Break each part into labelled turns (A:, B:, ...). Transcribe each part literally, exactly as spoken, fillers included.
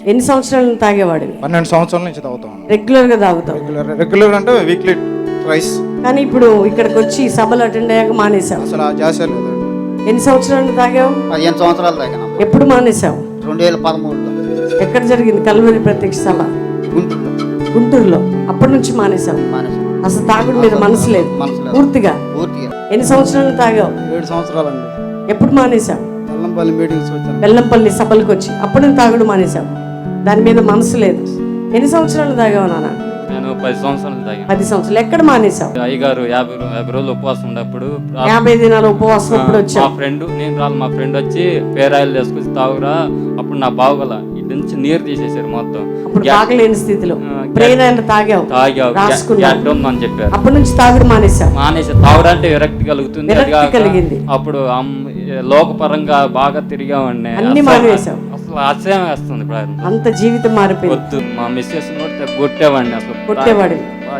A: ఎన్ని సంవత్సరాలు తాగేవాడు?
B: పన్నెండు సంవత్సరాల నుంచి తాగుతాం.
A: రెగ్యులర్ గా తాగుతాం?
B: రెగ్యులర్ రెగ్యులర్ అంటే వీక్లీ ట్రైస్.
A: కానీ ఇప్పుడు ఇక్కడికి వచ్చి సభలు అటెండ్ అయ్యాక మానేసావు?
B: అసలు ఆ జాసే లేదు.
A: ఎన్ని సంవత్సరాలు తాగావు?
C: పదిహేను సంవత్సరాలు తాగాను.
A: ఎప్పుడు మానేసావు?
C: రెండు వేల పదమూడులో.
A: ఎక్కడ జరిగింది కల్వరి ప్రత్యక్ష సభ?
C: గుంటూరులో.
A: గుంటూరులో. అప్పటి నుంచి మానేసావు?
C: మానేసాను.
A: అసలు తాగుడు మీద మనసు లేదు పూర్తిగా?
C: పూర్తిగా.
A: ఎన్ని సంవత్సరాలు తాగావు?
B: ఏడు సంవత్సరాలండి.
A: ఎప్పుడు మానేసావు?
B: బెల్లంపల్లి మీటింగ్స్ వచ్చాను.
A: బెల్లంపల్లి సభలకు వచ్చి అప్పుడు నేను తాగుడు మానేసావు? దాని మీద మనసు లేదు. ఎన్ని సంవత్సరాలు తాగావు నాన్న?
D: నేను పది సంవత్సరాలు తాగాను.
A: పది సంవత్సరాలు. ఎక్కడ మానేసావు?
D: అయ్యగారు యాభై యాభై రోజులు ఉపవాసం ఉన్నప్పుడు,
A: యాభై దినాలు ఉపవాసం అప్పుడు వచ్చా.
D: మా ఫ్రెండ్ నేను రాళ్ళు మా ఫ్రెండ్ వచ్చి పేరాయిలు తీసుకొచ్చి తాగురా, అప్పుడు నా బావుగల ఇటు నుంచి నీరు తీసేసారు మొత్తం.
A: అప్పుడు తాగలేని స్థితిలో ప్రేరాయిలు తాగావు,
D: తాగావు అని చెప్పారు.
A: అప్పటి నుంచి తాగుడు మానేసావు?
D: మానేసి తాగుడంటే విరక్తి కలుగుతుంది.
A: కలిగింది.
D: అప్పుడు లోకపరంగా బాగా తిరిగామండి.
A: అన్ని మానేసావు?
D: అసలు ఆశ్చర్యం వేస్తుంది.
A: అంత జీవితం మారిపోయింది.
D: వద్దు మా మిస్సెస్ నోడితే కొట్టేవాడిని. అసలు
A: కొట్టేవాడి.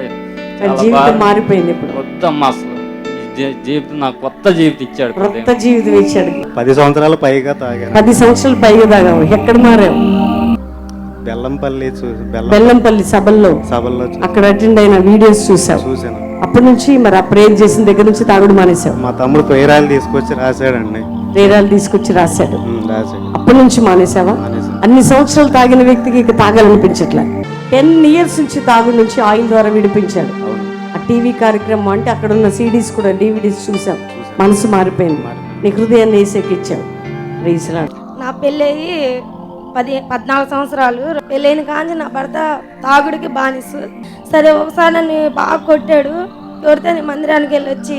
A: జీవితం మారిపోయింది ఇప్పుడు.
D: వద్దమ్మా, అసలు జీవితం నాకు కొత్త జీవితం ఇచ్చాడు.
A: కొత్త జీవితం ఇచ్చాడు.
B: పది సంవత్సరాల పైగా తాగాను.
A: పది సంవత్సరాలు పైగా తాగావు. ఎక్కడ మారావు?
B: బెల్లంపల్లి.
A: బెల్లంపల్లి సభల్లో
B: సభల్లో
A: అక్కడ అటెండ్ అయిన వీడియోస్ చూసావు?
B: చూసాను.
A: అప్పటి నుంచి మరి ఆ ప్రేయర్ చేసిన దగ్గర నుంచి తాగుడు మానేసావు?
B: మా తమ్ముడు పేరాలు తీసుకొచ్చి రాశాడండి.
A: ప్రేరాలు తీసుకొచ్చి రాశాడు.
B: రాశాడు.
A: అప్పటి నుంచి మానేసావా? అన్ని సంవత్సరాలు తాగిన వ్యక్తికి ఇక తాగాలనిపించట్లే. టెన్ ఇయర్స్ నుంచి తాగుడు నుంచి ఆయిల్ ద్వారా విడిపించాడు. ఆ టీవీ కార్యక్రమం అంటే అక్కడ ఉన్న సీడీస్ కూడా డివిడీస్ చూసాం. మనసు మారిపోయింది. నీ హృదయాన్ని వేసేకిచ్చావు. రీసలాడు.
E: నా పెళ్ళయి పది పద్నాలుగు సంవత్సరాలు. పెళ్ళైన కాంచి నా భర్త తాగుడికి బానిసు. సరే ఒకసారి నన్ను బాగా కొట్టాడు. కొడితే నేను మందిరానికి వెళ్ళి వచ్చి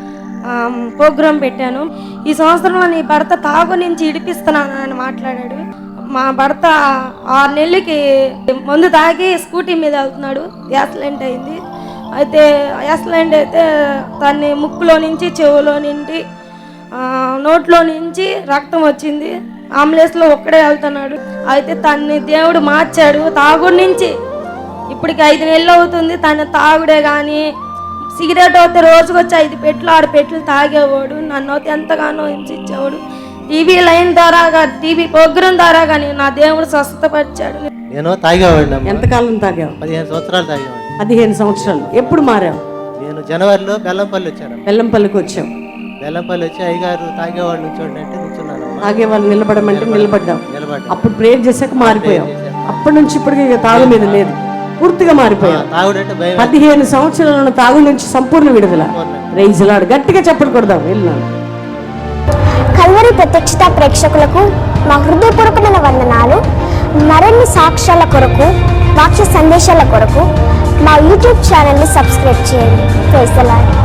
E: ప్రోగ్రాం పెట్టాను. ఈ సంవత్సరంలో నీ భర్త తాగు నుంచి ఇడిపిస్తున్నాను అని మాట్లాడాడు. మా భర్త ఆరు నెలలకి మందు తాగి స్కూటీ మీద వెళ్తున్నాడు. యాక్సిడెంట్ అయింది. అయితే యాక్సిడెంట్ అయితే తన్ని ముక్కులో నుంచి చెవులో నుండి నోట్లో నుంచి రక్తం వచ్చింది. అంబులెన్స్లో ఒక్కడే వెళ్తున్నాడు. అయితే తన్ని దేవుడు మార్చాడు. తాగుడు నుంచి ఇప్పటికి ఐదు నెలలు అవుతుంది. తన తాగుడే కానీ సిగరెట్ అయితే రోజుకి వచ్చి ఐదు పెట్లు ఆరు పెట్లు తాగేవాడు. నన్ను అయితే ఎంతగానో హింసించేవాడు. టీవీ లైన్ ద్వారా టీవీ ప్రోగ్రాం ద్వారా కానీ నా దేవుడు స్వస్థపరిచాడు.
F: నేను తాగేవాడిని.
A: ఎంతకాలం తాగావు?
F: పదిహేను సంవత్సరాలు తాగేవాడిని.
A: పదిహేను సంవత్సరాలు. ఎప్పుడు మారావు?
F: నేను జనవరిలో బెల్లంపల్లి వచ్చాను.
A: బెల్లంపల్లికి వచ్చావు.
F: బెల్లంపల్లి వచ్చి అయ్యగారు తాగేవాళ్ళు నుంచోండి అంటే నుంచున్నాను.
A: తాగేవాళ్ళు నిలబడమంటే నిలబడ్డావు.
F: నిలబడ్డా.
A: అప్పుడు ప్రేయర్ చేశాక మారిపోయావు. అప్పటి నుంచి ఇప్పటికి ఇక తాగు మీద లేదు. పూర్తిగా మారిపోయావు.
F: తాగుడంటే భయం.
A: పదిహేను సంవత్సరాల తాగు నుంచి సంపూర్ణ విడుదల. రైజులాడు. గట్టిగా చెప్పకూడదాం. వెళ్ళినాను.
G: కల్వరి ప్రత్యక్షత ప్రేక్షకులకు మా హృదయపూర్వకమైన వందనాలు. మరిన్ని సాక్ష్యాల కొరకు, వాక్య సందేశాల కొరకు మా యూట్యూబ్ ఛానల్ని సబ్స్క్రైబ్ చేయండి. Praise the lord.